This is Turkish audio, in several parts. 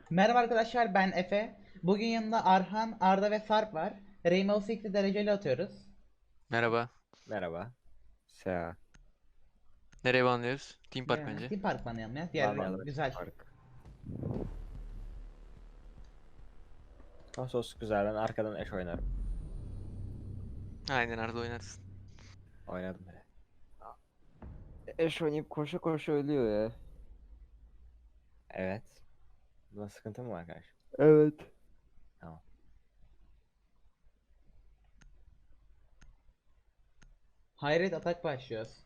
Merhaba arkadaşlar, ben Efe. Bugün yanında Arhan, Arda ve Sarp var. Rainbow Six'i dereceli atıyoruz. Merhaba. Merhaba. Seha. Nereye banlıyoruz? Team Park Ya, bence. Team Park banlayalım ya. Diğer Banlayalım güzel. Park. Konsos güzel. Ben arkadan eş oynarım. Aynen Arda oynarız. Oynadım bile. Eş oynayıp koşa koşa ölüyor ya. Evet. Buna sıkıntı mı var kardeşim? Evet. Tamam. Hayret atak başlıyoruz.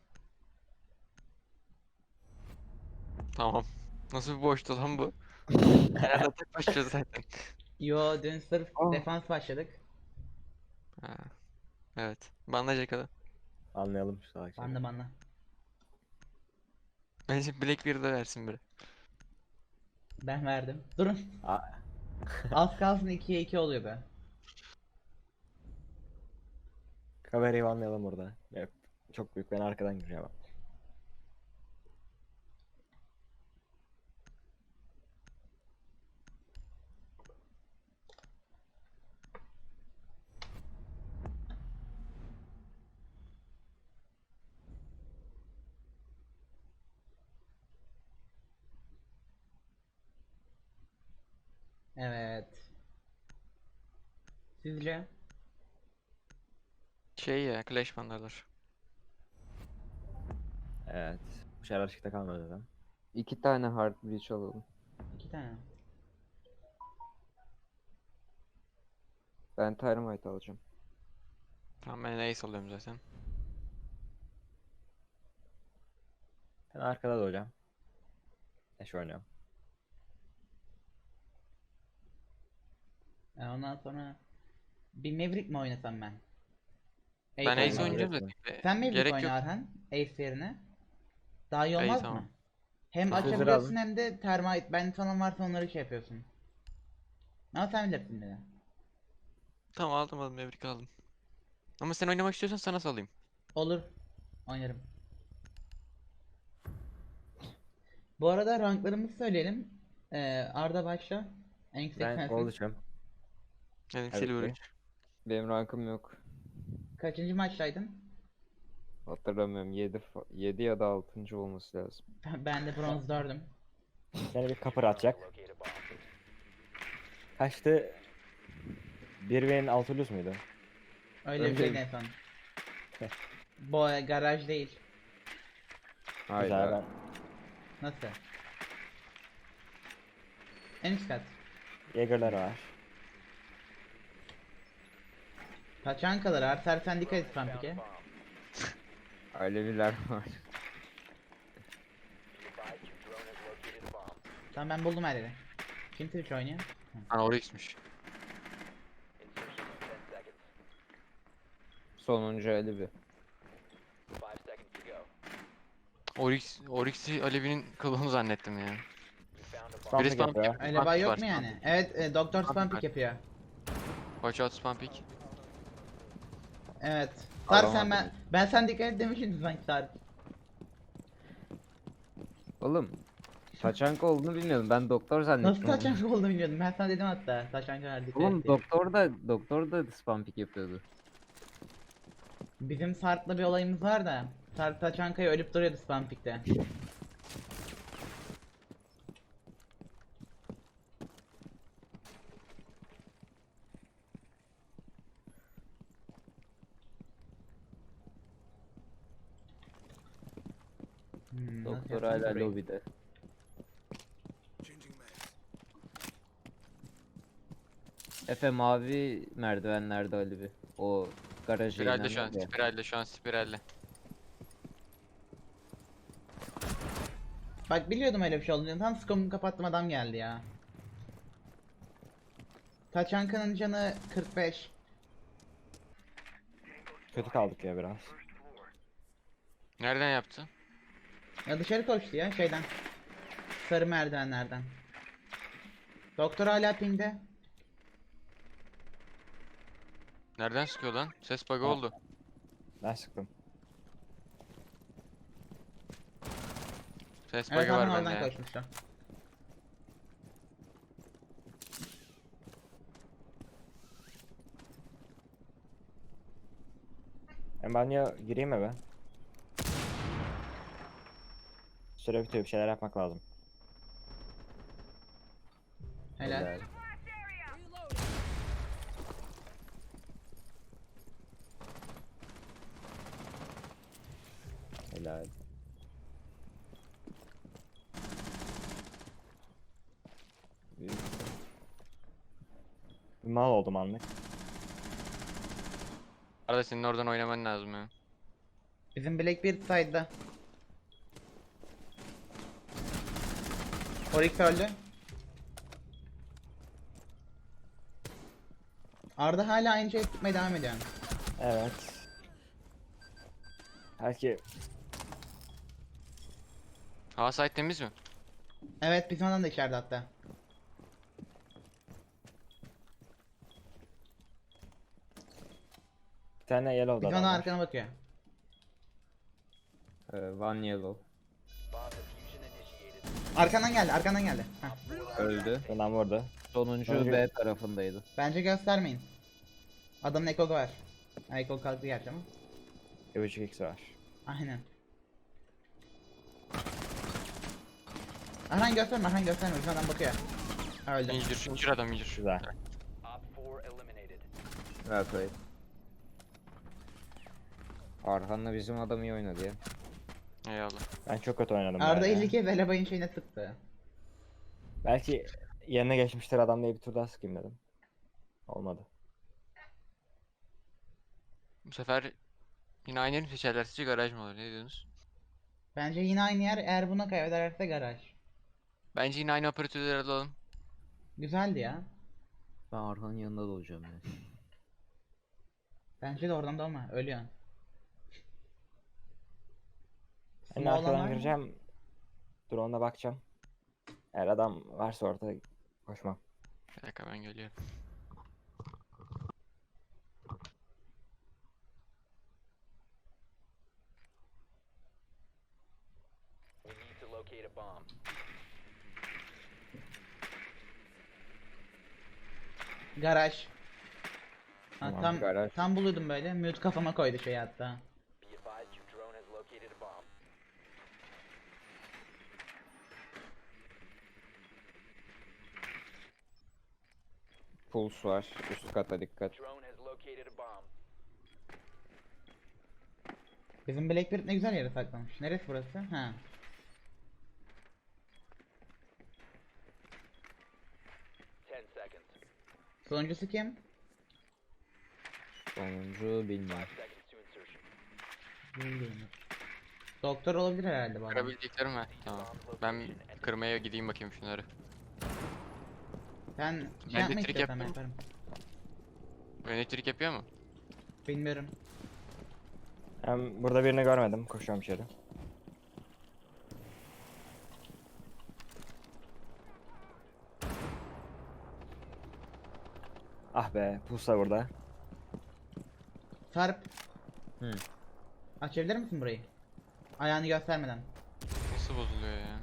Tamam. Nasıl bir boştu lan bu? Herhalde atak başlıyor zaten. Yo, dün sırf Ah. defans başladık. Ha, evet. Banlayacak adam. Anlayalım şu salak şeyi. Banla. Bence Blackbeard'e versin biri. Ben verdim. Durun. Aa, Az kalsın 2'ye 2 oluyor be. kamerayı anlayalım burada. Evet. Çok büyük. Ben arkadan gireceğim. Evet. Sizce? Şey ya, Clash banlarlar. Evet. Bu şeyler açıkta kalmadı zaten. 2 tane hard breach alalım. 2 tane. Ben Thermite alacağım. Tamam ben Ace alıyorum zaten. Ben arkada da hocam. Eş oynuyorum. Ondan sonra bir Maverick mi oynasam ben? Ben Ace Ace oynayayım. oynayacağım Maverick zaten. Sen Maverick Gerek oyna yok. Arhan. Ace yerine. Daha iyi İyi olmaz tamam. mı? Hem Tamam. Sözleri açabiliyorsun alın. hem de termite. Ben falan varsa onları şey yapıyorsun. Ama sen bilirsin beni. Tamam aldım Maverick aldım. Ama sen oynamak istiyorsan sana salayım. Olur. Oynarım. Bu arada ranklarımızı söyleyelim. Arda başla. En yüksek Ben sensin. gol içiyorum. Benim Tabii Silver ki. 3. Benim rankım yok. Kaçıncı maçtaydın? Hatırlamıyorum. 7 ya da 6. olması lazım. Ben de bronz 4'üm. Seni bir kapır atacak. Kaçtı? 1 600 muydu? Öyle bir Önce- şeydi en son. Bu garaj değil. Güzel Hayda. ben. Nasıl? En üst kat. Jäger'ler var. Taçankalar artar, sen dikkat et Pampik'e. Aleviler var. Tamam, ben buldum her yeri. Kim Twitch oynuyor? Ha Oryx'miş. Sonuncu Alevi. Oryx'i Alevi'nin kılığını zannettim ya. Spam Biri pick spam yapıyor. pick. Öyle Spam bay pick yok var, mu spam yani? pick. Evet, Doktor Spam Spampik pick yapıyor. Watch out spam pick. Evet. Sar sen Alamadım. ben sen dikkat et demişim sanki Sar. Oğlum. Taçanka olduğunu bilmiyordum. Ben doktor zannettim. Nasıl onu. taçanka olduğunu bilmiyordum. Ben sana dedim hatta. Taçankalar dikkat Oğlum et diye. doktor da spam pick yapıyordu. Bizim Sarp'la bir olayımız var da. Sarp taçankaya ölüp duruyordu Spampik'te. Nasıl Doktor yapsam hala burayı? lobide. Efe mavi merdivenlerde Alevi. O garaja Spiralle inen şu an, var ya. spiralle. Bak biliyordum öyle bir şey olduğunu. Tam skopumu kapattım, adam geldi ya. Taçanka'nın canı 45. Kötü kaldık ya biraz. Nereden yaptı? Ya dışarı koştu ya şeyden. Sarı merdivenlerden. Doktor hala pingde. Nereden sıkıyor lan? Ses bug'ı Ha. oldu. Ben sıktım. Ses Evet, bug'ı var adam bende oradan ya. koşmuştu. Ben banyo gireyim mi be? Süre bitiyor, bir şeyler yapmak lazım. Helal. Helal. Büyük. Bir mal oldum anlık. Arada senin oradan oynaman lazım ya. Bizim Blackbeard side'da. Oryx öldü. Arda hala aynı şeyi tutmaya devam ediyor. Evet. Belki Hava site temiz mi? Evet, bizim adam da içeride hatta. bir tane yellow'da Bizim adam adam var. arkana bakıyor. One yellow. Arkandan geldi, arkandan geldi. Heh. Öldü. Adam vurdu. Sonuncu B tarafındaydı. Bence göstermeyin. Adamın ekogu var. Ha, ekog kalktı gerçi ama. 1.5x var. Aynen. Arhan gösterme, Arhan gösterme. Bizim adam bakıyor. Öldü. İncir, incir adam incir. Güzel. Evet evet. Arhan'la bizim adam iyi oynadı ya. Eyvallah. Ben çok kötü oynadım. bu Arda arada ya. 50 kez Elebay'ın şeyine sıktı. Belki yerine geçmiştir adam diye bir tur daha sıkayım dedim. Olmadı. Bu sefer yine aynı yeri mi seçerler sizce garaj mı olur? Ne diyorsunuz? Bence yine aynı yer, eğer buna kaybederse garaj. Bence yine aynı operatörleri alalım. Güzeldi ya. Ben Arhan'ın yanında da olacağım yani. Bence de oradan da olma, ölüyorsun. Ben Small olan var arkadan mı? gireceğim. Drone'a bakacağım. Eğer adam varsa orada koşmam. Bir dakika ben geliyorum. Garaj. Ha, Tamam, tam garaj. tam buluyordum böyle. Mute kafama koydu şey hatta. Pulse var. Üst kata dikkat. Bizim Blackbeard ne güzel yere saklamış. Neresi burası? Ha. Sonuncusu kim? Sonuncu bilmiyorum. Bilmiyorum. Doktor olabilir herhalde bu adam. Kırabildiklerim var. Tamam. Ben kırmaya gideyim bakayım şunları. Sen Ben şey yapmak elektrik istiyorsan yapayım. yaparım. Elektrik yapıyor mu? Bilmiyorum. Ben burada birini görmedim. Koşuyorum içeri. Ah be, Pulsa burada. Sarp. Hı. Açabilir misin burayı? Ayağını göstermeden. Nasıl bozuluyor ya?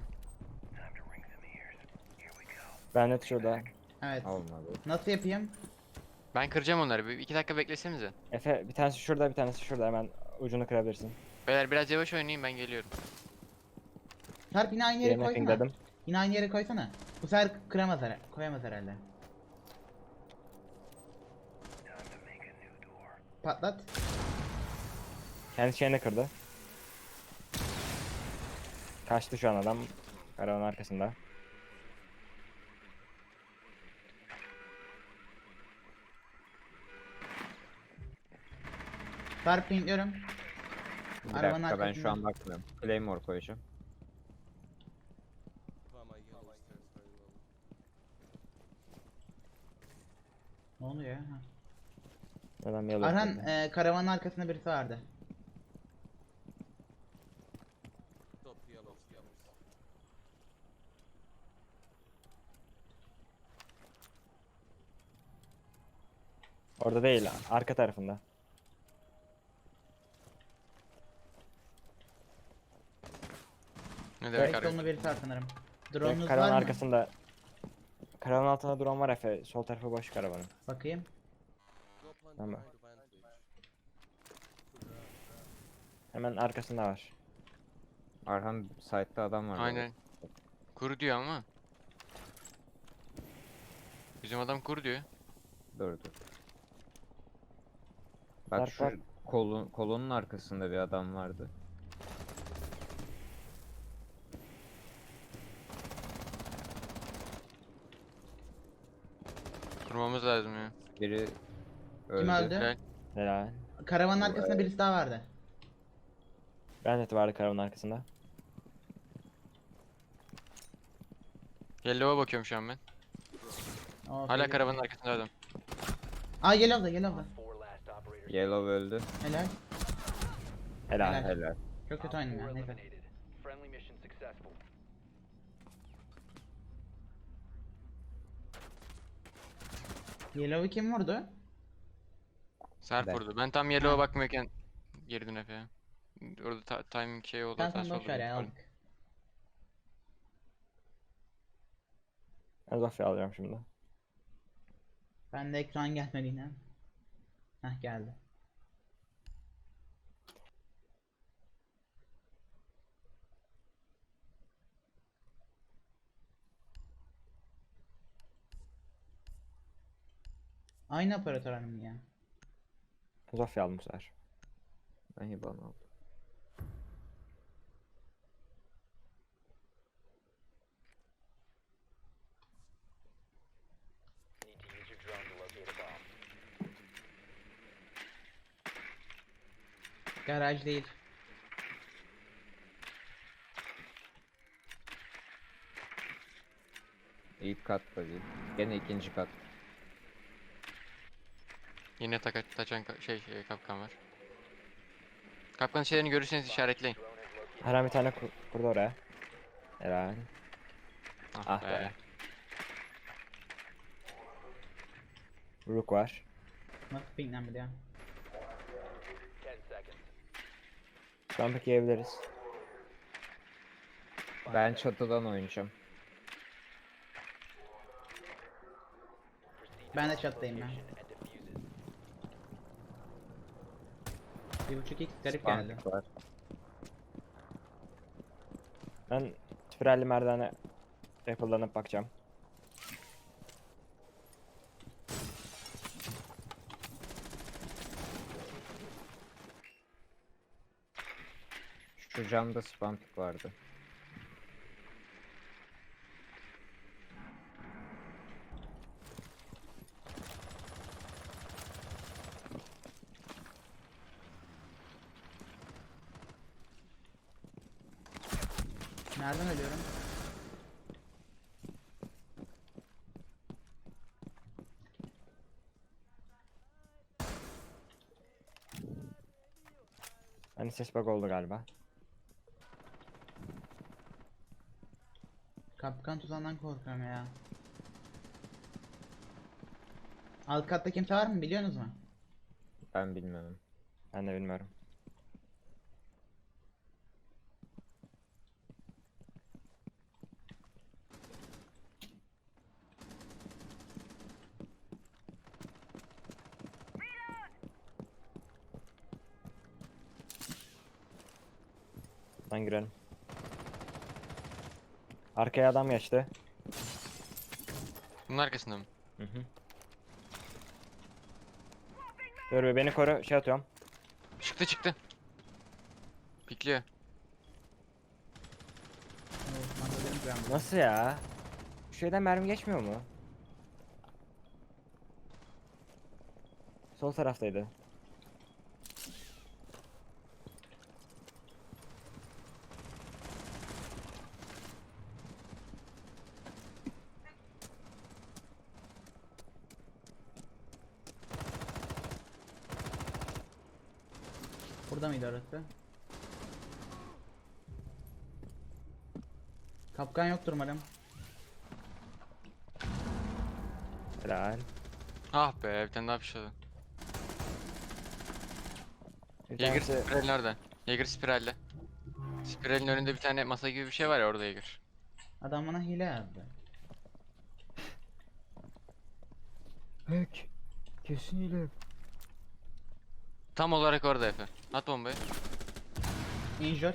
Ben net şurada. Evet. Olmadı. Nasıl yapayım? Ben kıracağım onları. Bir 2 dakika beklesenize. Efe bir tanesi şurada, bir tanesi şurada. Hemen ucunu kırabilirsin. Beyler biraz yavaş oynayın ben geliyorum. Sarp yine aynı yere Yerine koysana. pingledim. Yine aynı yere koysana. Bu sefer kıramaz herhalde. Koyamaz herhalde. Patlat. Kendi şeyini kırdı. Kaçtı şu an adam. Karavanın arkasında. Sarp pingliyorum. Bir Arabanın dakika ben arkasında. şu an bakmıyorum. Claymore koyacağım. Ne oluyor ya? Ha. Adam yellow Arhan kırdı. karavanın arkasında birisi vardı. Orada değil, arka tarafında. Ne demek Direkt arıyor? solunda birisi var sanırım. Direkt Drone'unuz karavanın var mı? arkasında. Karavanın altında drone var Efe. Sol tarafı boş karavanın. Bakayım. Tamam. Hemen arkasında var. Arhan site'da adam var. bu arada. Aynen. Kur diyor ama. Bizim adam kur diyor. Dur dur. Bak Bak, şu bak. kolonun arkasında bir adam vardı. Kurmamız lazım ya. Biri öldü. Kim öldü? Helal. Helal. Karavanın arkasında birisi daha vardı. Ben de vardı karavanın arkasında. Yellow'a bakıyorum şu an ben. Oh, Hala belli. karavanın arkasında adam. Aa Yellow'da Yellow'da. Yellow öldü. Helal. Helal. Helal. Helal. Çok kötü oynadım ya. Neyse. Friendly mission successful. Yellow'u kim vurdu? Serp Ben. vurdu. Ben tam Yellow'a bakmıyorken girdim Efe'ye. Orada timing şey oldu. Sen hatası boş oldu ver büyük ya ihtimalle. aldık. Ben Zofia alıyorum şimdi. Ben de ekran gelmedi yine. Heh geldi. Aynı operatör hanım ya. Zofia aldım bu sefer. Ben IBAN aldım. Need to use your drone to locate a bomb. Garaj değil. İlk katta değil. Gene ikinci kat. Yine taçan kapkan var. Kapkanın şeylerini görürseniz işaretleyin. Her an bir tane kurdu oraya. Helal. Ah, Ah be. be. Rook var. Nasıl pinglenmedi ya? 10 seconds. Şu an peki yiyebiliriz. Ben çatıdan oynayacağım. Ben de çattayım ben. And defuse it. 1.5x garip geldi. Bank var. Ben spiralli merdivene yapılanıp bakacağım. Şu camda spam pick vardı. Nereden ölüyorum? Hani ses bug oldu galiba. Kapkan tuzağından korkuyorum ya. Alt katta kimse var mı biliyorsunuz mu? Ben bilmem. Ben de bilmiyorum. Lan girelim. Arkaya adam geçti. Bunun arkasında mı? Hı hı. Dur be beni koru şey atıyorum. Çıktı. Pikliyor. Evet, mandalina kıramdı. Nasıl ya? Şu şeyden mermi geçmiyor mu? Sol taraftaydı. Burada mıydı orası? Kapkan yoktur umarım. Helal. Ah be, bir tane daha fişladı. Bir Jaeger tanesi spiral nerede? Jaeger spiralle. Spiralin önünde bir tane masa gibi bir şey var ya, orada Jaeger. Adam bana hile yazdı. Hack. Kesin hile. Tam olarak orada Efe. At bombayı. Injure.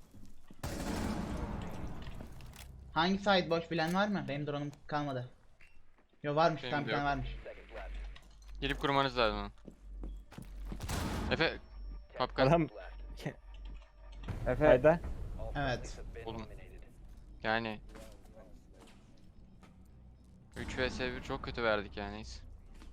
Hangi side boş bilen var mı? Benim drone'um kalmadı. Yo varmış, Benim tam de bir tane yok. varmış. Seconds left. Gelip kurmanız lazım onu. Efe. Kapkan. Adam Left. Efe kayda. All Evet. friendlies have been Oğlum. eliminated. Yani. 3 vs 1 çok kötü verdik yani. Neyse.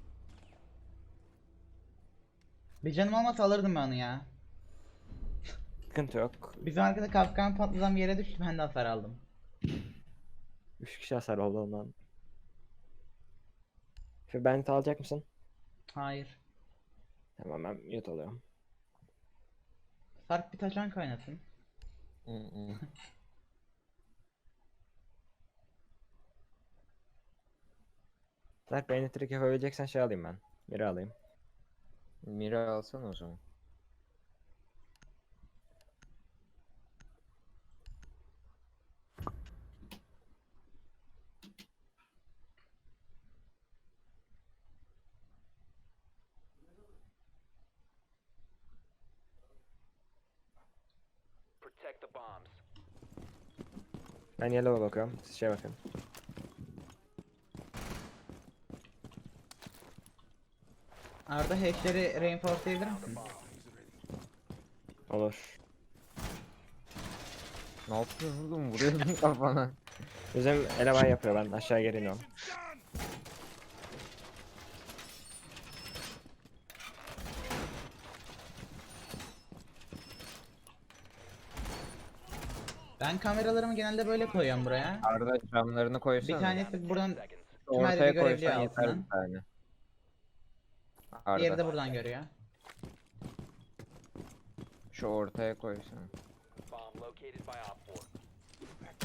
Bir canım olmasa alırdım ben onu ya. Sıkıntı yok. Bizim arkada kapkan patladan bir yere düştü, ben de hasar aldım. 3 kişi hasar oldu ondan. Şu bent alacak mısın? Hayır. Tamam ben mute alıyorum. Sarp bir taşan kaynasın. Zaten beni trick yapabileceksen şey alayım ben. Biri alayım. Mira alsana o zaman. Protect the bombs. Ben yellow'a bakıyorum. Siz şey bakın. Arda hash'leri reinforcelayabilir misin? Olur. Ne yapıyorsun oğlum? Vuruyordun kafana. Bizim eleman yapıyor, ben aşağı geri iniyorum. Ben kameralarımı genelde böyle koyuyorum buraya. Arda camlarını Bir koysana. tanesi buradan, Seconds. tüm her Ortaya yeri görebiliyor koysan yeter altından. bir tane. Diğeri Arda de buradan görüyor. şu ortaya koysana. Bomb located by Op 4.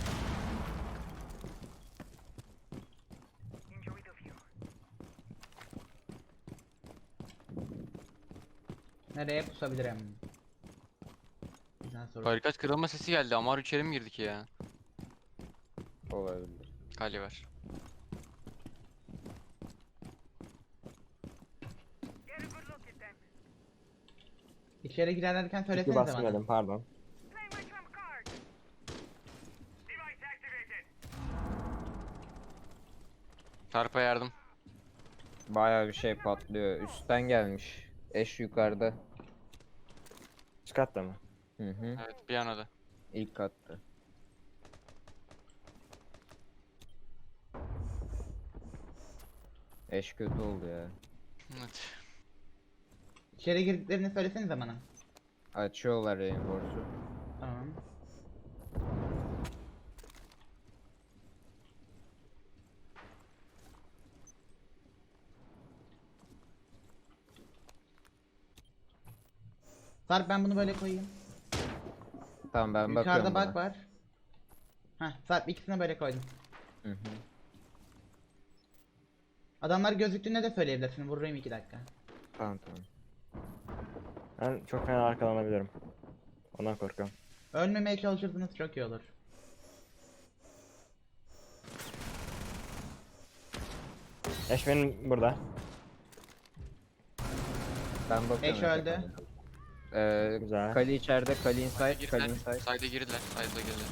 Nereye pusabilirim? Güzel soru. Barikat kırılma sesi geldi. Amar içeri mi girdik ya? Olabilir. Kale var. İçeri girerken Çünkü söylesenize bana. basmıyordum, pardon. Sarp'a yardım. Bayağı bir şey patlıyor. Üstten gelmiş. Eş yukarıda. Üst katta mı? Hı hı. Evet bir yana da. İlk katta. Eş kötü oldu ya. Evet. İçeri girdiklerini söylesenize bana. Açıyorlar reinforce'u. Tamam. Sarp ben bunu böyle koyayım. Tamam ben bakıyorum Yukarıda bak buna. var. Heh, Sarp ikisini böyle koydum. Hı hı. Adamlar gözüktüğünde de söyleyebilirsin. Vurayım 2 dakika. Tamam tamam. Ben çok fena arkalanabilirim. Ondan korkuyorum. Ölmemeye çalışırsanız çok iyi olur. Eş benim burada. Ben bakıyorum. Eş öldü. Güzel. Kali içeride, Kali inside, Girdiler. Kali inside. Side'e girdiler. Side'e girdiler.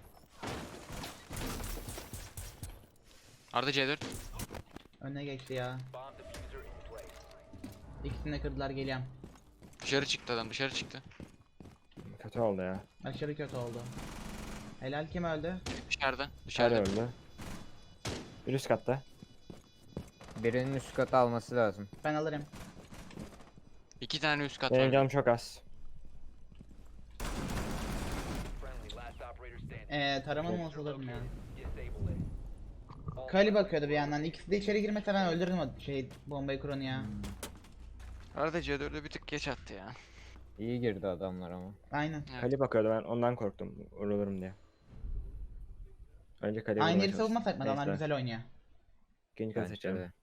Arda C4. Önüne geçti ya. Bomb diffuser in place. İkisini de kırdılar, geliyorum. Dışarı çıktı adam. Dışarı çıktı. Kötü oldu ya. Aşırı kötü oldu. Helal, kim öldü? Dışarıda. Dışarıda Dışarıda. öldü. Bir üst katta. Birinin üst katı alması lazım. Ben alırım. 2 tane üst kat Benim var. canım çok az. Friendly last operator standing. Taramanım olsa alırım ya. Disable it. All Kali bakıyordu bir yandan. İkisi de içeri girmese ben öldürürüm o bombayı kuranı ya. Arda C4'ü bir tık geç attı ya. İyi girdi adamlar ama. Aynen. Evet. Kali bakıyordu, ben ondan korktum. Vurulurum diye. Önce Kali'ye Aynı vurmaya yeri çalıştım. savunmasak mı? Adamlar Neyse, güzel oynuyor. İkinci kat Bence seçelim. de.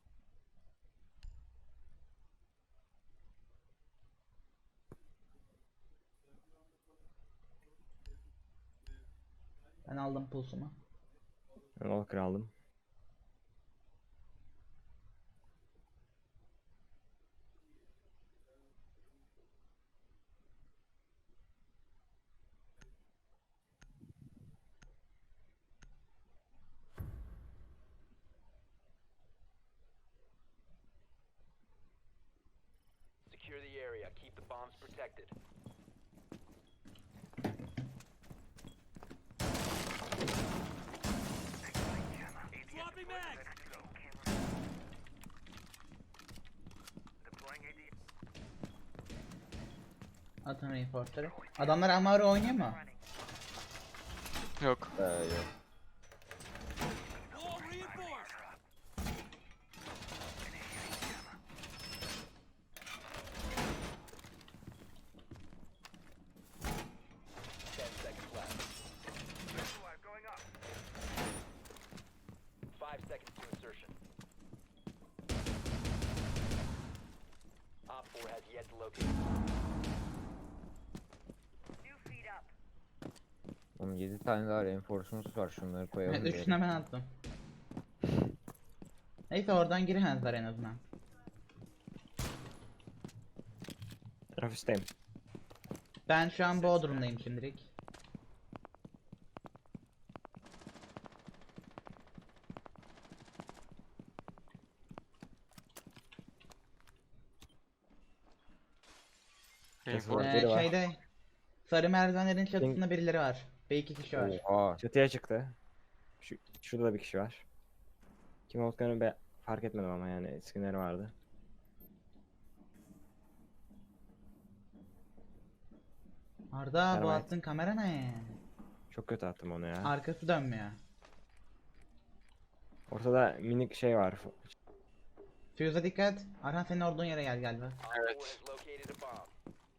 Ben aldım pulsumu. Ben Walker aldım. protected. Atın reinforce'ları. Adamlar Amaro oynuyor mu? Yok. Yok. Ten seconds left. 5 seconds to insertion. Op 4 has yet to locate. Oğlum 7 tane daha reinforce'umuz var. Şunları koyalım. Evet, bir yere. üçüne ben attım. Neyse oradan giremezler en azından. Ofisteyim. Ben şu an Bodrum'dayım şimdilik. Reinforce. Biri var. Şeyde sarı merdivenlerin çatısında birileri var. Ve 2 kişi var. Oha. Çatıya çıktı. Şurada da bir kişi var. Kim olduklarını fark etmedim ama yani skinleri vardı. Arda bu Termite. attığın kamera ne? Çok kötü attım onu ya. Arkası dönmüyor. Ortada minik şey var. Fuse'a dikkat. Arhan senin olduğun yere gel galiba. Op 4 Evet. has located a bomb.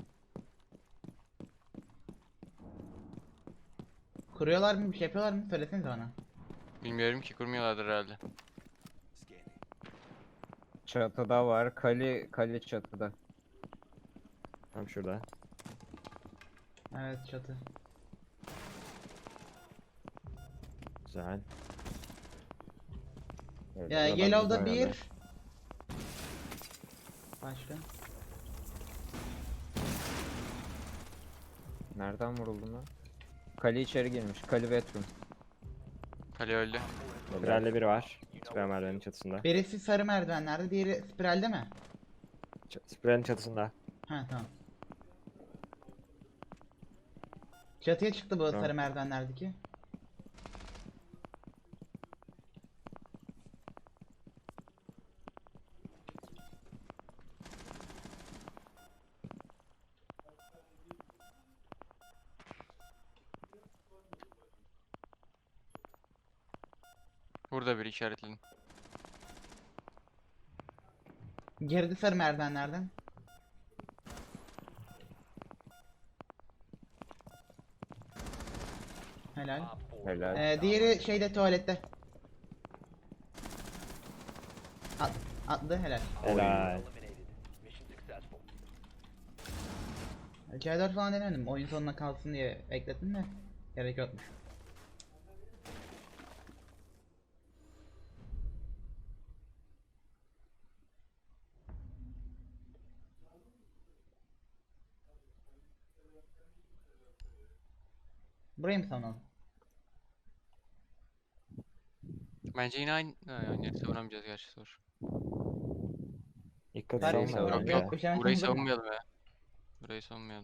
Kuruyorlar mı? Bir şey yapıyorlar mı? Söylesenize bana. Bilmiyorum ki, kurmuyorlardır herhalde. Çatıda var. Kali çatıda. Tam şurada. Evet çatı. Güzel. Evet, Ya buradan Yellow'da güzel yerler. bir. Başka. Nereden vuruldun lan? Kali içeri girmiş. Kali Veteran. Kale öldü. Spiralde biri var. Spiral merdivenin çatısında. Birisi sarı merdivenlerde, diğeri spiralde mi? Spiralin çatısında. Ha tamam. Çatıya çıktı bu Tamam. sarı merdivenlerdeki. Burada bir işaretledim. Girdi sarı merdivenlerden. Helal. Op 4 Helal. Diğeri şeyde tuvalette. Atlı helal. Helal. eliminated. Mission successful. C4 falan denemedim. Oyun sonuna kalsın diye bekledim de. Gerek yokmuş. Burayı mı savunalım? Bence yine aynı. Ha, yani savunamayacağız gerçi, zor. İlk katı Nereye savunma savunalım? bence. Yok, bir şey Burayı savunalım. savunmayalım ya. Burayı savunmayalım.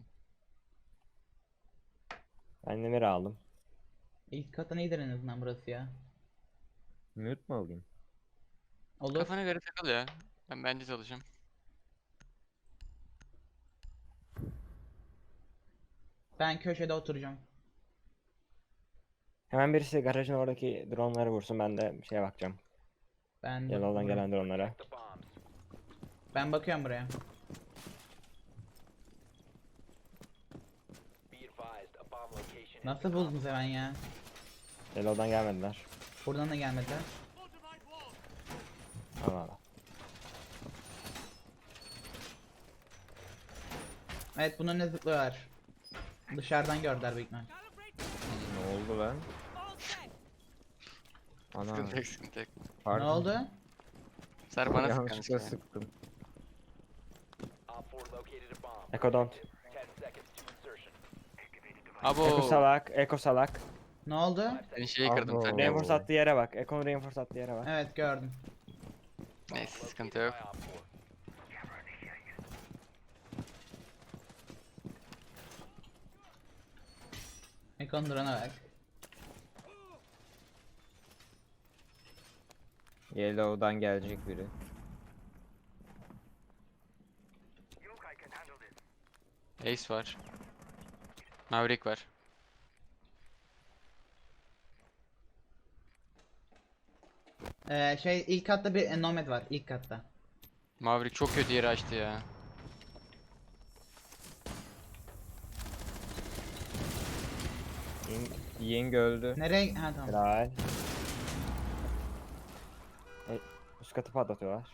Ben demir aldım. İlk katı iyidir en azından burası ya. Mute mu alayım? Olur. Kafana göre takıl ya. Ben bence çalışayım. Ben köşede oturacağım. Hemen birisi garajın oradaki dronları vursun, ben de şeye bakacağım. Ben Yellow'dan gelen dronlara. The bombs. Ben bakıyorum buraya. Be advised, a bomb location has Nasıl buldunuz hemen ya? Yellow'dan gelmediler. Buradan da gelmediler. Allah Allah. Evet bunun ne zıplıyorlar. Dışarıdan gördüler büyük ihtimal. Ne oldu lan? Ana. Sıkıntı yok, sıkıntı yok. Ne Pardon. oldu? Ser bana sık Yanlışlıkla yanlışlıkla. sıktım. Op 4 located a bomb. Echo don't. 10 seconds to insertion. Echo Abo. salak. Echo salak. Ne oldu? 5 Ben seconds. şeyi kırdım Abo. sen. Reinforce attığı yere bak. Echo'nun reinforce attığı yere bak. Evet gördüm. Neyse, sıkıntı Located yok. by Op 4. Ekon drone'a bak. Yellow'dan gelecek biri. Ace var. Maverick var. İlk katta bir Nomad var ilk katta. Maverick çok kötü yeri açtı ya. Ying öldü. Nereye? Ha tamam. Helal. Üst katı patlatıyorlar.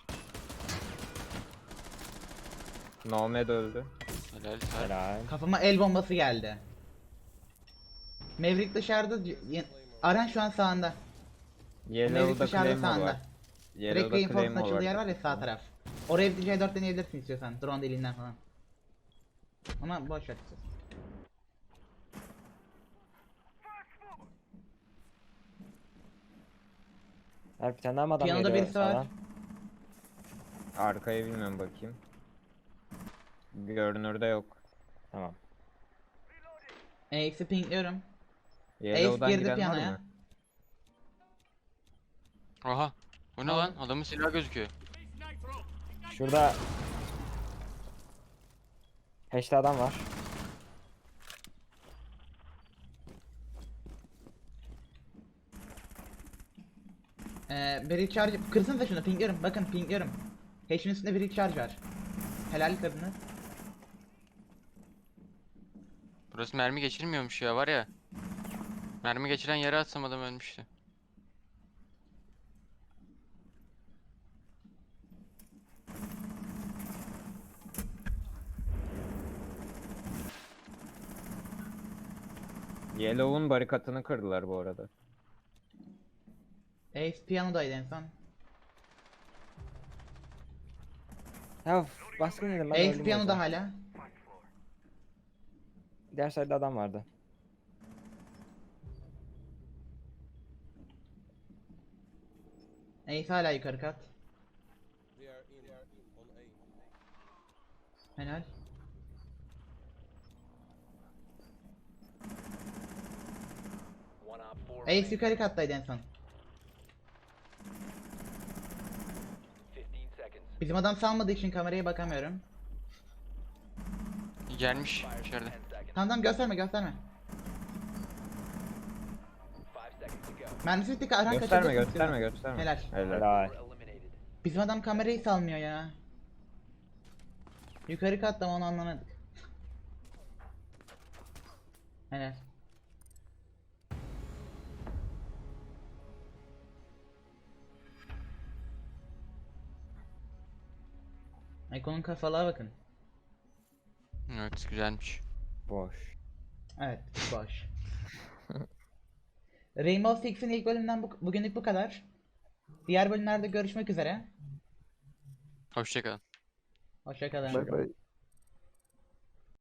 Nomad öldü. Helal. Helal. Helal. Kafama el bombası geldi. Maverick dışarıda. Aran şu an sağında. Maverick Yellow'da dışarıda Claymore sağında. var. Direkt Yellow'da reinforce'un Claymore açıldığı yer var. var ya sağ taraf. Oraya bir C4 deneyebilirsin istiyorsan. Drone deliğinden falan. Ama boş ver. Her bir tane daha mı adam Piyanoda geliyor birisi var. sağdan? Arkaya bilmiyorum bakayım. Görünürde yok. Tamam. Ace'i pingliyorum. Yellow'dan girdi giden var piyanoya. mı? Oha. O ne lan? Adamın silahı gözüküyor. Şurada Hash'te adam var. Bir recharge. Kırsanıza şunu pingliyorum. Bakın pingliyorum. Hash'in üstünde bir recharge var. Helal kırdınız. Burası mermi geçirmiyormuş ya var ya. Mermi geçiren yere atsam adam ölmüştü. Yellow'un barikatını kırdılar bu arada. Ace piyanodaydı en son. Ya baskın dedim ben Ace öldüm piyanoda orada. hala. Diğer side'da adam vardı. Ace hala yukarı kat. Helal. One op 4 Ace remaining. yukarı kattaydı en son. 15 seconds. Bizim adam salmadığı için kameraya bakamıyorum. Gelmiş Fire in içeride. 10 seconds. Tamam gösterme gösterme. 5 seconds to go. Mermisi bitti ki Arhan Gösterme kaçırdı. gösterme gösterme. Helal. Helal. Four eliminated. Bizim adam kamerayı salmıyor ya. Yukarı katta mı onu anlamadık. Helal. Ekon'un kafalığa bakın. Evet güzelmiş. Boş. Evet, boş. Rainbow Six'in ilk bölümünden bugünlük bu kadar. Diğer bölümlerde görüşmek üzere. Hoşçakalın. Hoşça kalın. Bye bye.